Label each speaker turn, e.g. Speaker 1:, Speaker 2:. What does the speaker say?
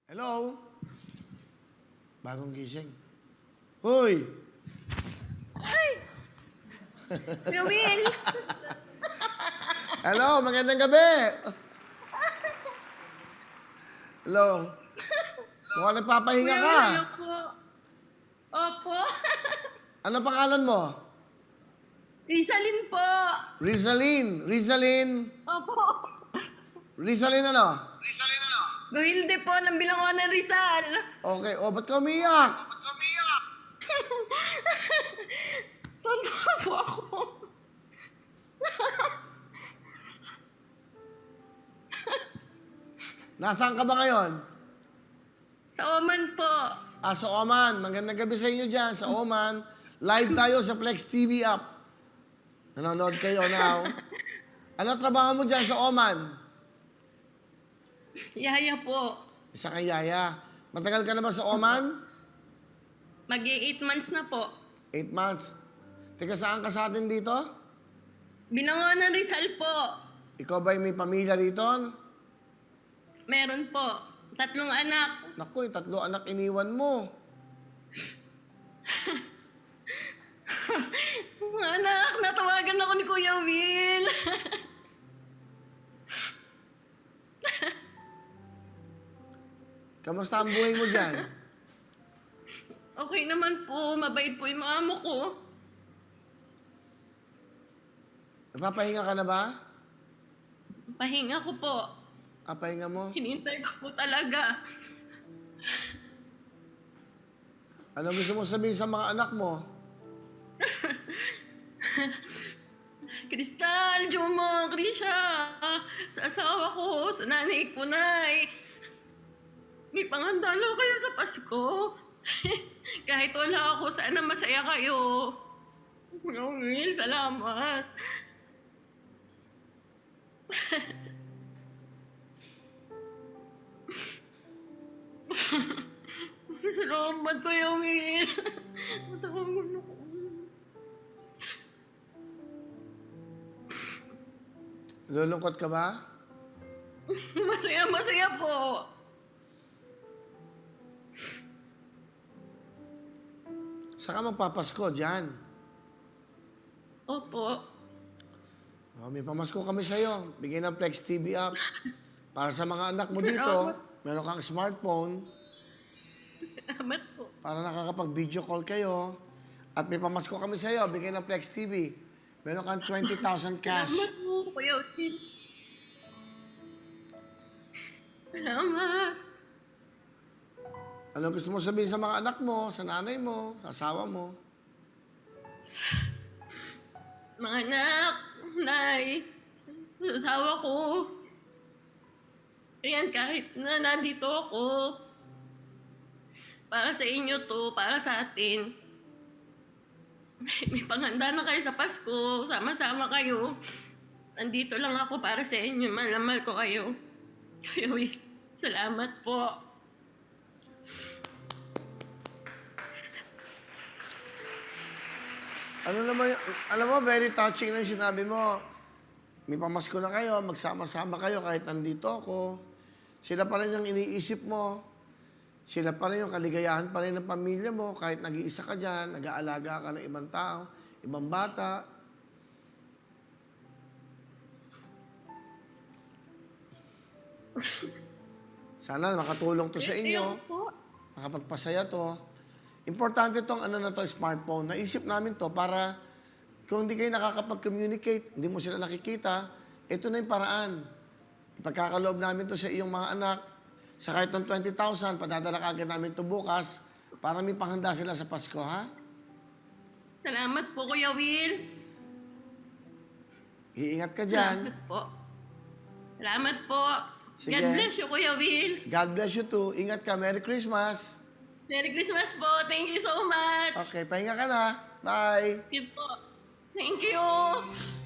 Speaker 1: Hello? Bagong gising. Hoy!
Speaker 2: Ay! Kuya Will!
Speaker 1: Hello, magandang gabi! Hello? Mukhang nagpapahinga
Speaker 2: Kuya
Speaker 1: ka.
Speaker 2: Will, hello po. Opo.
Speaker 1: Ano pangalan mo?
Speaker 2: Rizalin po.
Speaker 1: Rizalin. Rizalin.
Speaker 2: Opo.
Speaker 1: Rizalin ano?
Speaker 2: Guhilde po ng Bilangonan ng Rizal.
Speaker 1: Okay. O, ba't ka umiyak?
Speaker 2: Tonto po ako.
Speaker 1: Nasaan ka ba ngayon?
Speaker 2: Sa Oman po.
Speaker 1: Sa Oman. Magandang gabi sa inyo dyan, sa Oman. Live tayo sa Flex TV app. Nanonood kayo now. Ano trabaho mo dyan sa Oman?
Speaker 2: Yaya po.
Speaker 1: Isa kay Yaya. Matagal ka na ba sa Oman?
Speaker 2: Mag-8 months na po.
Speaker 1: 8 months. Teka, saan ka sa atin dito?
Speaker 2: Bilangonan ng Rizal po.
Speaker 1: Ikaw ba'y may pamilya dito?
Speaker 2: Meron po. 3 anak.
Speaker 1: Naku, 3 anak iniwan mo.
Speaker 2: Mga anak, natawagan ako ni Kuya Will.
Speaker 1: Kamusta ang buhay mo dyan?
Speaker 2: Okay naman po. Mabait po yung mga amo ko.
Speaker 1: Napapahinga ka na ba?
Speaker 2: Pahinga ko po.
Speaker 1: Pahinga mo?
Speaker 2: Hinintay ko po talaga.
Speaker 1: Ano gusto mo sabihin sa mga anak mo?
Speaker 2: Kristal, Juma, Krisha, sa asawa ko, sa nanay ko, nay. May pangandalo kayo sa Pasko. Kahit wala ako, sana masaya kayo. Kuya Will, salamat. Salamat, Kuya Will. Matawag na ko.
Speaker 1: Lulungkot ka ba?
Speaker 2: Masaya po.
Speaker 1: Saka magpapasko dyan.
Speaker 2: Opo.
Speaker 1: May pamasko kami sa'yo. Bigyan ng Flex TV app. Para sa mga anak mo dito, meron kang smartphone
Speaker 2: Salamat po.
Speaker 1: para nakakapag-video call kayo. At may pamasko kami sa'yo. Bigyan ng Flex TV. Meron kang 20,000 cash.
Speaker 2: Salamat po, Kuya Will. Salamat.
Speaker 1: Ano gusto mo sabihin sa mga anak mo, sa nanay mo, sa asawa mo?
Speaker 2: Mga anak, nay, asawa ko. Ayan, kahit na nandito ako, para sa inyo to, para sa atin. May panghanda na kayo sa Pasko, sama-sama kayo. Nandito lang ako para sa inyo, mahal na mahal ko kayo. Kuya Will, salamat po.
Speaker 1: Ano naman, alam mo, very touching na yung sinabi mo. May pamasko na kayo, magsama-sama kayo kahit nandito ako. Sila pa rin yung iniisip mo. Sila pa rin yung kaligayahan pa rin ng pamilya mo kahit nag-iisa ka dyan, nag-aalaga ka ng ibang tao, ibang bata. Sana makatulong to sa inyo.
Speaker 2: Po.
Speaker 1: Nakapagpasaya to. Importante tong ano na to, smartphone. Naisip namin to para kung hindi kayo nakakapag-communicate, hindi mo sila nakikita, ito na yung paraan. Ipagkakaloob namin to sa iyong mga anak. Sa kahit ng 20,000, padadala ka agad namin to bukas para may panghanda sila sa Pasko, ha?
Speaker 2: Salamat po, Kuya Will.
Speaker 1: Iingat ka dyan.
Speaker 2: Salamat po. Salamat po.
Speaker 1: Sige.
Speaker 2: God bless you, Kuya Will.
Speaker 1: God bless you too. Ingat ka. Merry Christmas.
Speaker 2: Merry Christmas po. Thank you so much.
Speaker 1: Okay, pahinga ka na. Bye.
Speaker 2: Thank you po. Thank you.